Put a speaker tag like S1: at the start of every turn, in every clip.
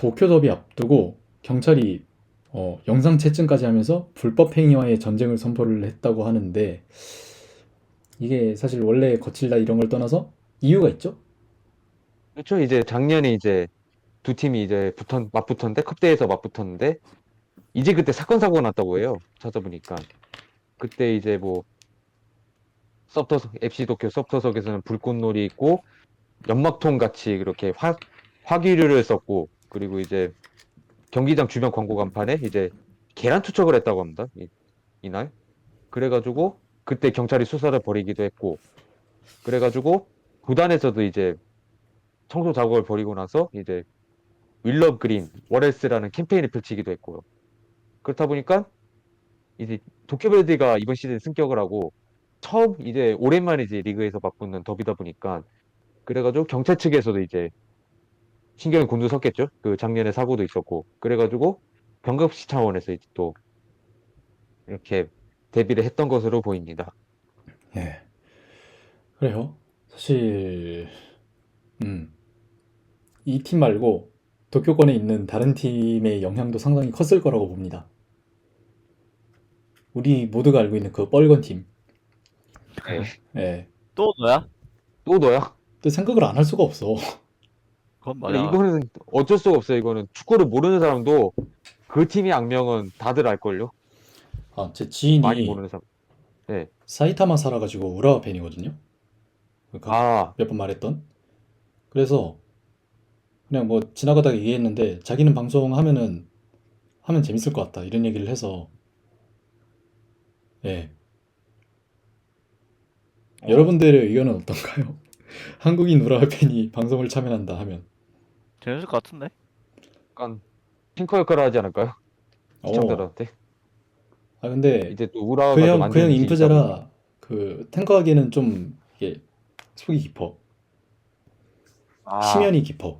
S1: 도쿄 더비 앞두고 경찰이 영상 채증까지 하면서 불법 행위와의 전쟁을 선포를 했다고 하는데 이게 사실 원래 거칠다 이런 걸 떠나서 이유가 있죠?
S2: 그렇죠. 이제 작년에 이제 두 팀이 이제 맞붙었는데 컵대에서 맞붙었는데 이제 그때 사건 사고가 났다고 해요. 찾아보니까 그때 이제 뭐 서브터석 FC 도쿄 서브터석에서는 불꽃놀이 있고 연막통 같이 그렇게 화기류를 썼고 그리고 이제 경기장 주변 광고 간판에 이제 계란 투척을 했다고 합니다. 이날 그래가지고 그때 경찰이 수사를 벌이기도 했고 그래가지고 구단에서도 이제 청소 작업을 벌이고 나서 이제 윌럽 그린 워레스라는 캠페인을 펼치기도 했고요. 그렇다 보니까 이제 도쿄베르디가 이번 시즌 승격을 하고 처음 이제 오랜만에 이제 리그에서 맞붙는 더비다 보니까 그래가지고 경찰 측에서도 이제 신경이 곤두섰겠죠. 그 작년에 사고도 있었고 그래가지고 경각시 차원에서 이제 또 이렇게 대비를 했던 것으로 보입니다.
S1: 예, 그래요. 사실 이 팀 말고 도쿄권에 있는 다른 팀의 영향도 상당히 컸을 거라고 봅니다. 우리 모두가 알고 있는 그 뻘건 팀.
S2: 네.
S1: 예,
S3: 또 너야?
S2: 또 너야?
S1: 또 생각을 안 할 수가 없어.
S3: 그건
S2: 그래,
S3: 맞아.
S2: 이거는 어쩔 수가 없어요. 이거는 축구를 모르는 사람도 그 팀의 악명은 다들 알걸요.
S1: 아, 제
S2: 많이
S1: 지인이
S2: 모르는 사람. 네.
S1: 사이타마 살아가지고 우라와 팬이거든요. 그러니까
S2: 아,
S1: 몇 번 말했던. 그래서 그냥 뭐 지나가다가 얘기했는데 자기는 방송하면은 하면 재밌을 것 같다 이런 얘기를 해서 예.
S2: 어,
S1: 여러분들의 의견은 어떤가요? 한국인 우라와 팬이 방송을 참여한다 하면
S3: 재밌을 것 같은데?
S2: 약간 핑커 역할을 하지 않을까요?
S1: 어.
S2: 시청자들한테.
S1: 아 근데
S2: 이제 또
S1: 그
S2: 우라와가 좀
S1: 형
S2: 안
S1: 그
S2: 좋은
S1: 형
S2: 이미지 있다 보니까.
S1: 인프제라 그 탱커하기에는 좀 이게 속이 깊어.
S2: 아,
S1: 심연이 깊어.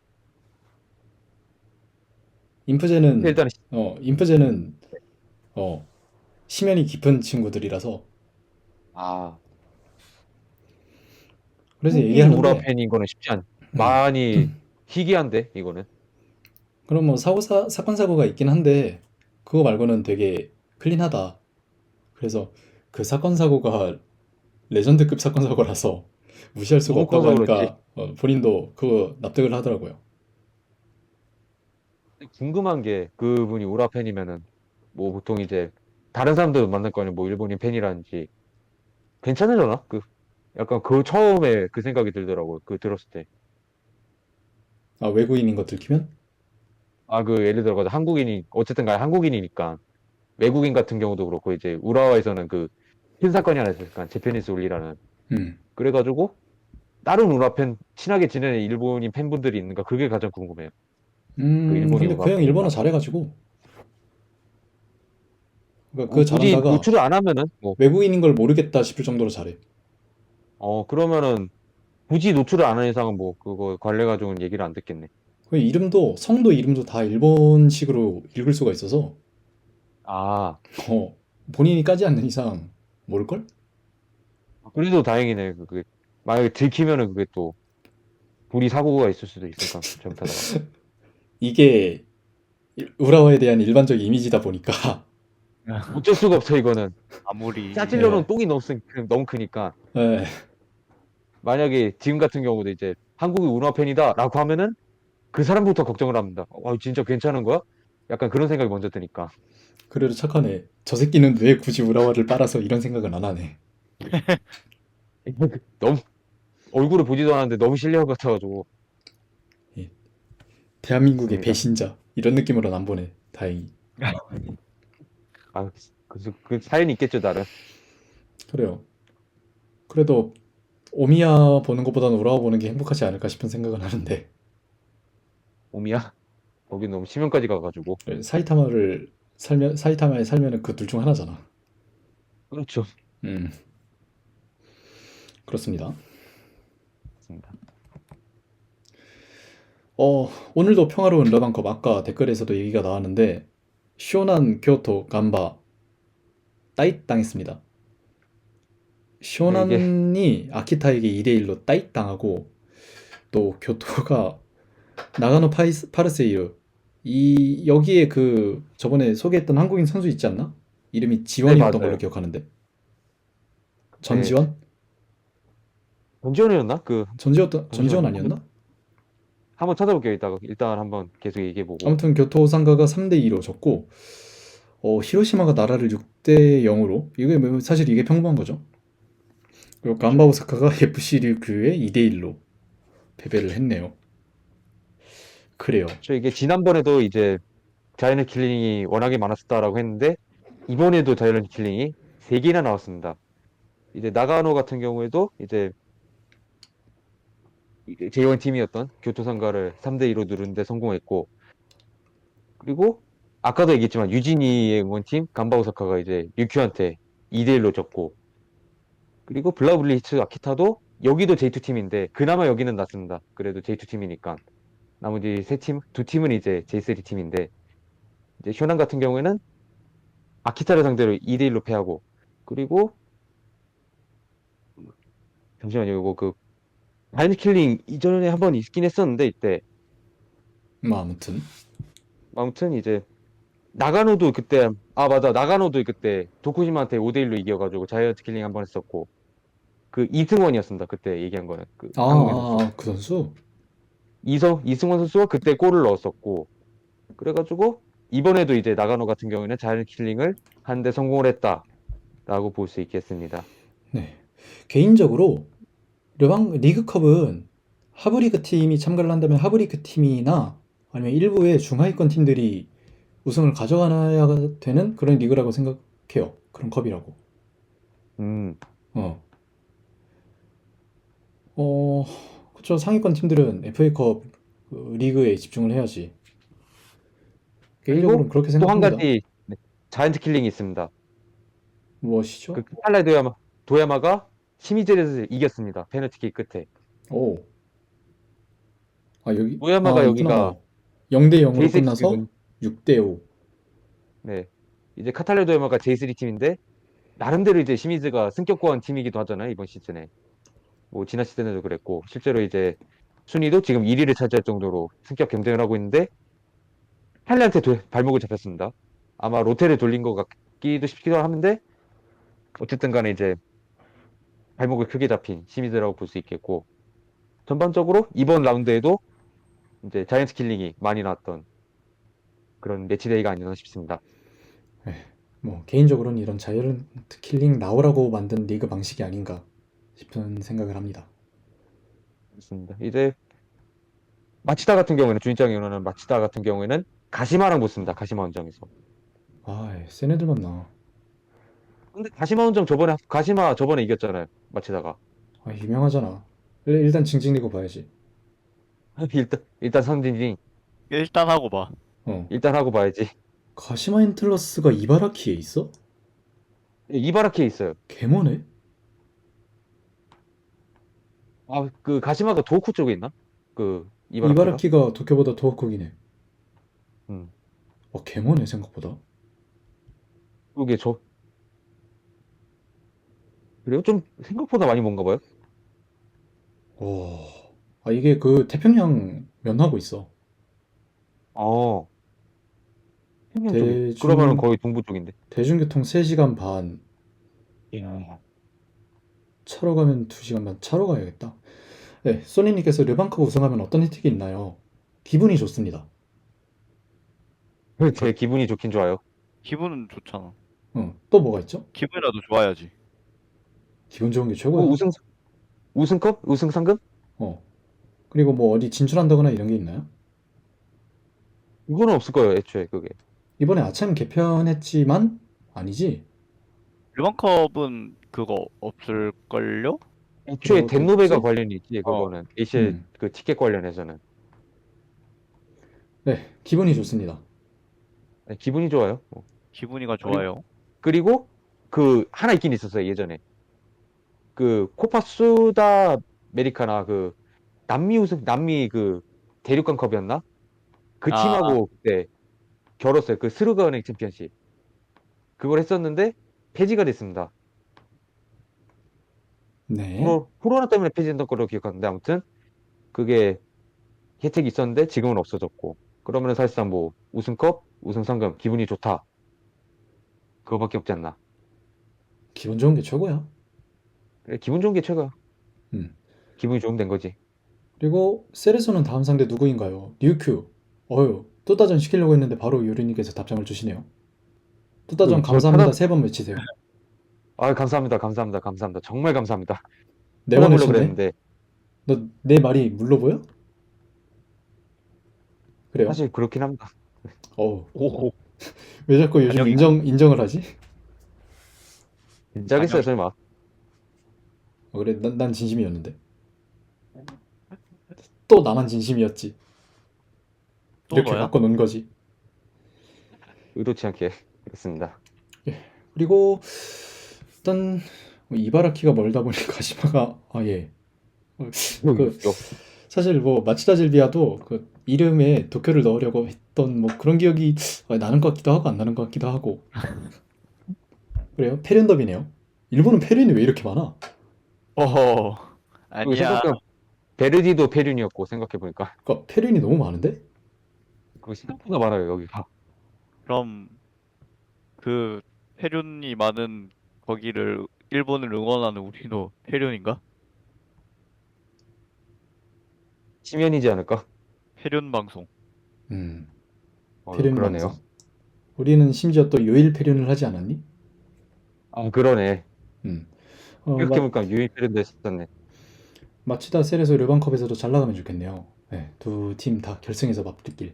S1: 인프제는
S2: 일단
S1: 인프제는 어 심연이 깊은 친구들이라서
S2: 아,
S1: 그래서
S2: 한국인 우라
S1: 얘기하는데
S2: 팬인 거는 쉽지 않.
S1: 음.
S2: 많이 희귀한데 이거는.
S1: 그럼 뭐 사건 사고가 있긴 한데 그거 말고는 되게 클린하다. 그래서 그 사건 사고가 레전드급 사건 사고라서 무시할 수가
S2: 너무
S1: 없다고
S2: 커서 그렇지.
S1: 하니까 본인도 그거 납득을 하더라고요.
S2: 궁금한 게 그분이 우라 팬이면은 뭐 보통 이제 다른 사람들 만날 거 아니에요. 뭐 일본인 팬이라든지 괜찮으려나? 그 약간 그 처음에 그 생각이 들더라고요. 그 들었을 때.
S1: 아, 외국인인 거 들키면?
S2: 아, 그 예를 들어서 한국인이 어쨌든 간에 한국인이니까 외국인 같은 경우도 그렇고 이제 우라와에서는 그 큰 사건이 하나 있었으니까 제페니스 울리라는
S1: 음.
S2: 그래가지고 다른 우라 팬 친하게 지내는 일본인 팬분들이 있는가 그게 가장 궁금해요. 그 일본인
S1: 근데 그
S2: 우라
S1: 형 일본어
S2: 팬인가?
S1: 잘해가지고 그러니까 그
S2: 굳이
S1: 잘한다가
S2: 노출을 안 하면은 뭐
S1: 외국인인 걸 모르겠다 싶을 정도로 잘해.
S2: 그러면은 굳이 노출을 안 하는 이상은 뭐 그거 관례 가지고는 얘기를 안 듣겠네.
S1: 그 이름도 성도 이름도 다 일본식으로 읽을 수가 있어서
S2: 아,
S1: 어, 본인이 까지 않는 이상 모를걸?
S2: 그래도 다행이네. 그게 만약에 들키면은 그게 또 불이 사고가 있을 수도 있으니까 잘못하다가
S1: 이게 우라와에 대한 일반적 이미지다 보니까
S2: 어쩔 수가 없어 이거는.
S3: 아무리
S2: 짜증려는
S1: 예,
S2: 똥이 너무 크니까
S1: 예,
S2: 만약에 지금 같은 경우도 이제 한국이 운화 팬이다라고 하면은 그 사람부터 걱정을 합니다. 진짜 괜찮은 거야? 약간 그런 생각이 먼저 드니까
S1: 그래도 착하네. 저 새끼는 왜 굳이 우라와를 빨아서 이런 생각은 안 하네.
S2: 너무 얼굴을 보지도 않았는데 너무 실력 같아가지고
S1: 예, 대한민국의
S2: 그렇습니다.
S1: 배신자 이런 느낌으로는 안 보네. 다행히.
S2: 아, 그 사연이 있겠죠 나름.
S1: 그래요. 그래도 오미야 보는 것보다는 우라와 보는 게 행복하지 않을까 싶은 생각은 하는데
S2: 오미야 거기 너무 심연까지 가가지고
S1: 사이타마에 살면은 그 둘 중 하나잖아.
S2: 그렇죠.
S1: 음, 그렇습니다.
S2: 맞습니다.
S1: 오늘도 평화로운 러방컵 아까 댓글에서도 얘기가 나왔는데 쇼난 교토 간바 따잇 당했습니다.
S2: 근데 이게
S1: 쇼난이 아키타에게 2대1로 따잇 당하고 또 교토가 나가노 파르세이루. 이 여기에 그 저번에 소개했던 한국인 선수 있지 않나? 이름이
S2: 네,
S1: 지원이었던 걸로
S2: 맞아요.
S1: 기억하는데.
S2: 네,
S1: 전지원?
S2: 전지현이었나? 그
S1: 전지원
S2: 잠시만요.
S1: 아니었나?
S2: 한번 찾아볼게요. 이따가 일단 한번 계속 얘기해보고.
S1: 아무튼 교토 상가가 3대 2로 졌고 히로시마가 나라를 6대 0으로 이게 사실 이게 평범한 거죠. 그리고 간바 오사카가 FC 류큐에 2대 1로 패배를 했네요. 그래요.
S2: 저 이게 지난번에도 이제 자이언트 킬링이 워낙에 많았었다라고 했는데 이번에도 자이언트 킬링이 3개나 나왔습니다. 이제 나가노 같은 경우에도 이제 J1 팀이었던 교토상가를 3대 2로 누르는데 성공했고, 그리고 아까도 얘기했지만 유진이의 응원팀 간바오사카가 이제 류큐한테 2대 1로 졌고, 그리고 블라블리츠 아키타도 여기도 J2 팀인데 그나마 여기는 낫습니다. 그래도 J2 팀이니까. 나머지 세 팀, 두 팀은 이제 J3 팀인데, 이제 효난 같은 경우에는 아키타를 상대로 2대 1로 패하고, 그리고 잠시만요. 이거 그 마인드 킬링 이전에 한번 있긴 했었는데 이때
S1: 아무튼
S2: 아무튼 이제 나가노도 그때 맞아, 나가노도 그때 도쿠시마한테 5대 1로 이겨가지고 자이언트 킬링 한번 했었고, 그 이승원이었습니다. 그때 얘기한 거는 그 한국인 선수
S1: 그 선수?
S2: 이승원 선수가 그때 골을 넣었었고, 그래가지고 이번에도 이제 나가노 같은 경우에는 자이언트 킬링을 한 대 성공을 했다라고 볼 수 있겠습니다.
S1: 네. 개인적으로 리그컵은 하브리그 팀이 참가를 한다면 하브리그 팀이나 아니면 일부의 중하위권 팀들이 우승을 가져가야 되는 그런 리그라고 생각해요. 그런 컵이라고.
S2: 음,
S1: 어. 어, 그쵸. 상위권 팀들은 FA컵 리그에 집중을 해야지.
S2: 그리고
S1: 개인적으로는 그렇게
S2: 또 한
S1: 생각합니다.
S2: 가지, 네, 자이언트 킬링이 있습니다.
S1: 무엇이죠?
S2: 그 카탈라의 도야마가 시미즈에서 이겼습니다. 페널티킥 끝에.
S1: 오. 여기,
S2: 도야마가
S1: 있구나.
S2: 여기가
S1: 0대 0으로
S2: J3
S1: 끝나서
S2: 팀이군.
S1: 6대 5.
S2: 네. 이제 카탈라의 도야마가 J3 팀인데 나름대로 이제 시미즈가 승격권 팀이기도 하잖아요, 이번 시즌에. 뭐 지난 시즌에도 그랬고 실제로 이제 순위도 지금 1위를 차지할 정도로 승격 경쟁을 하고 있는데 할리한테 발목을 잡혔습니다. 아마 로테를 돌린 것 같기도 싶기도 하는데 어쨌든 간에 이제 발목을 크게 잡힌 시미즈라고 볼 수 있겠고, 전반적으로 이번 라운드에도 이제 자이언트 킬링이 많이 나왔던 그런 매치데이가 아니었나 싶습니다.
S1: 뭐 개인적으로는 이런 자이언트 킬링 나오라고 만든 리그 방식이 아닌가 싶은 생각을 합니다.
S2: 맞습니다. 이제 마치다 같은 경우에는 주인장이 원하는 마치다 같은 경우에는 가시마랑 붙습니다. 가시마 원정에서.
S1: 센 애들 만나.
S2: 근데 가시마 원정 가시마 저번에 이겼잖아요. 마치다가.
S1: 유명하잖아. 일단 징징 리그 봐야지.
S2: 일단 선진이
S3: 일단 하고 봐.
S1: 어.
S2: 일단 하고 봐야지.
S1: 가시마 인틀러스가 이바라키에 있어?
S2: 이바라키에 있어요.
S1: 개머네?
S2: 그 가시마가 도호쿠 쪽에 있나? 그 이바라키가?
S1: 이바라키가 도쿄보다 더 크기네.
S2: 음.
S1: 개머네 생각보다.
S2: 그게 그래요? 좀 생각보다 많이 뭔가 봐요.
S1: 오. 이게 그 태평양 면하고 있어.
S2: 어. 평양 쪽에. 그러면은
S1: 대중
S2: 거의 동부 쪽인데.
S1: 대중교통 3시간 반,
S2: 야.
S1: 차로 가면 2시간 반. 차로 가야겠다. 네, 소니님께서 르방컵 우승하면 어떤 혜택이 있나요? 기분이 좋습니다.
S2: 제 기분이 좋긴 좋아요.
S3: 기분은 좋잖아.
S1: 또 뭐가 있죠?
S3: 기분이라도 좋아야지.
S1: 기분 좋은 게
S2: 뭐
S1: 최고야.
S2: 우승컵? 우승 상금?
S1: 어. 그리고 뭐 어디 진출한다거나 이런 게 있나요?
S2: 이거는 없을 거예요, 애초에 그게.
S1: 이번에 아참 개편했지만 아니지?
S3: 일반컵은 그거 없을걸요?
S2: 애초에 덴노베가
S1: 그러겠지?
S2: 관련이 있지,
S3: 어.
S2: 그거는. AC
S1: 음.
S2: 그 티켓 관련해서는.
S1: 네, 기분이 좋습니다.
S2: 네, 기분이 좋아요.
S3: 기분이가
S2: 그리고,
S3: 좋아요.
S2: 그리고 그 하나 있긴 있었어요, 예전에. 그 코파 수다 메리카나 그 남미 그 대륙간 컵이었나? 그
S3: 아,
S2: 팀하고 그때 겨뤘어요. 그 스루가은행 챔피언십. 그걸 했었는데 폐지가 됐습니다.
S1: 네.
S2: 코로나 때문에 폐지된 걸로 기억하는데 아무튼 그게 혜택이 있었는데 지금은 없어졌고. 그러면 사실상 뭐 우승컵, 우승상금, 기분이 좋다. 그거밖에 없지 않나.
S1: 기분 좋은 게 최고야.
S2: 그래, 기분 좋은 게 최고야.
S1: 음.
S2: 기분이 좋으면 된 거지.
S1: 그리고 셀에서는 다음 상대 누구인가요? 류큐. 어휴, 또따전 시키려고 했는데 바로 요리님께서 답장을 주시네요. 또따전
S2: 저
S1: 감사합니다.
S2: 찾아,
S1: 3번 외치세요.
S2: 아, 감사합니다. 감사합니다. 감사합니다. 정말 감사합니다.
S1: 4번
S2: 찾아보려고
S1: 외쳤네?
S2: 그랬는데,
S1: 너 내 말이 물러 보여? 그래요?
S2: 사실 그렇긴 합니다.
S1: 어우,
S3: 오,
S1: 왜 자꾸 요즘
S3: 안녕히
S1: 인정을 하지?
S2: 진짜겠어요,
S3: 아니요.
S2: 설마.
S1: 그래, 난 진심이었는데. 또 나만 진심이었지.
S3: 또
S1: 이렇게
S3: 너야?
S1: 바꿔놓은 거지.
S2: 의도치 않게. 그렇습니다.
S1: 그리고 일단 뭐 이바라키가 멀다 보니 가시마가 예. 그
S2: 요,
S1: 사실 뭐 마치다 질비아도 그 이름에 도쿄를 넣으려고 했던 뭐 그런 기억이 나는 것 같기도 하고 안 나는 것 같기도 하고 그래요? 페륜더비네요. 일본은 페륜이 왜 이렇게 많아?
S3: 어허,
S2: 그리고
S3: 아니야.
S2: 생각해보면 베르디도 페륜이었고, 생각해보니까.
S1: 그러니까 페륜이 너무 많은데?
S2: 그리고 생각보다 많아요, 여기가.
S3: 그럼 그 페륜이 많은 거기를 일본을 응원하는 우리도 페륜인가?
S2: 치면이지 않을까?
S3: 페륜 방송.
S1: 페륜
S2: 그러네요.
S1: 방송. 우리는 심지어 또 요일 페륜을 하지 않았니?
S2: 아, 그러네.
S1: 음.
S2: 생각해보니까 유일 페륜도 했었네.
S1: 마치다 셀에서 르반컵에서도 잘 나가면 좋겠네요. 네, 두 팀 다 결승에서 맞붙길.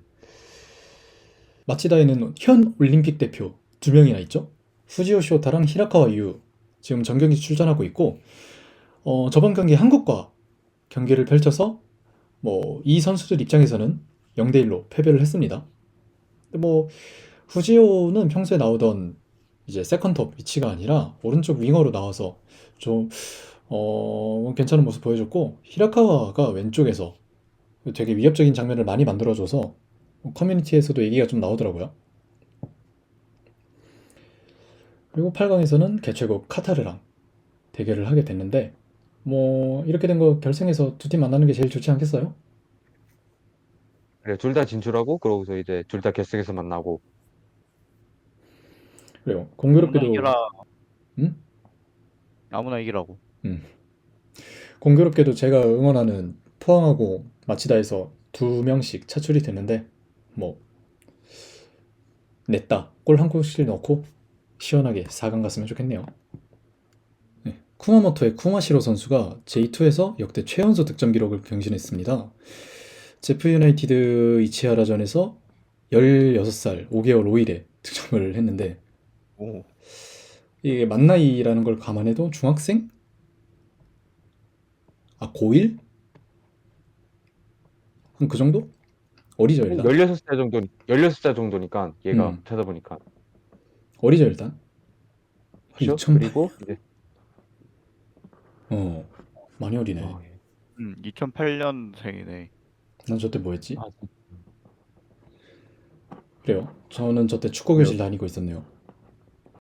S1: 마치다에는 현 올림픽 대표 두 명이나 있죠. 후지오 쇼타랑 히라카와 유 지금 전경기 출전하고 있고 저번 경기 한국과 경기를 펼쳐서 뭐 이 선수들 입장에서는 0대1로 패배를 했습니다. 근데 뭐 후지오는 평소에 나오던 이제 세컨톱 위치가 아니라 오른쪽 윙어로 나와서 좀 괜찮은 모습 보여줬고 히라카와가 왼쪽에서 되게 위협적인 장면을 많이 만들어줘서 커뮤니티에서도 얘기가 좀 나오더라고요. 그리고 8강에서는 개최국 카타르랑 대결을 하게 됐는데 뭐 이렇게 된 거 결승에서 두 팀 만나는 게 제일 좋지 않겠어요?
S2: 그래, 둘 다 진출하고, 그러고서 이제 둘 다 결승에서 만나고.
S1: 그래요.
S3: 아무나
S1: 공교롭게도
S3: 이기라.
S1: 음?
S3: 아무나 이기라고.
S1: 음. 공교롭게도 제가 응원하는 포항하고 마치다에서 두 명씩 차출이 됐는데 뭐 냈다. 골 한 골씩 넣고 시원하게 4강 갔으면 좋겠네요. 네. 쿠마모토의 쿠마시로 선수가 J2에서 역대 최연소 득점 기록을 경신했습니다. 제프 유나이티드 이치하라전에서 16살 5개월 5일에 득점을 했는데
S3: 오,
S1: 이게 만 나이라는 걸 감안해도 중학생? 고1? 한 그 정도? 어리죠 일단.
S2: 16살 정도, 16살 정도니까, 얘가
S1: 음.
S2: 찾아보니까.
S1: 어리죠 일단.
S2: 그렇죠?
S1: 2008.
S2: 그리고, 이제,
S1: 많이 어리네.
S3: 2008년생이네.
S1: 난 저때 뭐 했지?
S2: 아,
S1: 그래요. 저는 저때 축구 교실 다니고 있었네요.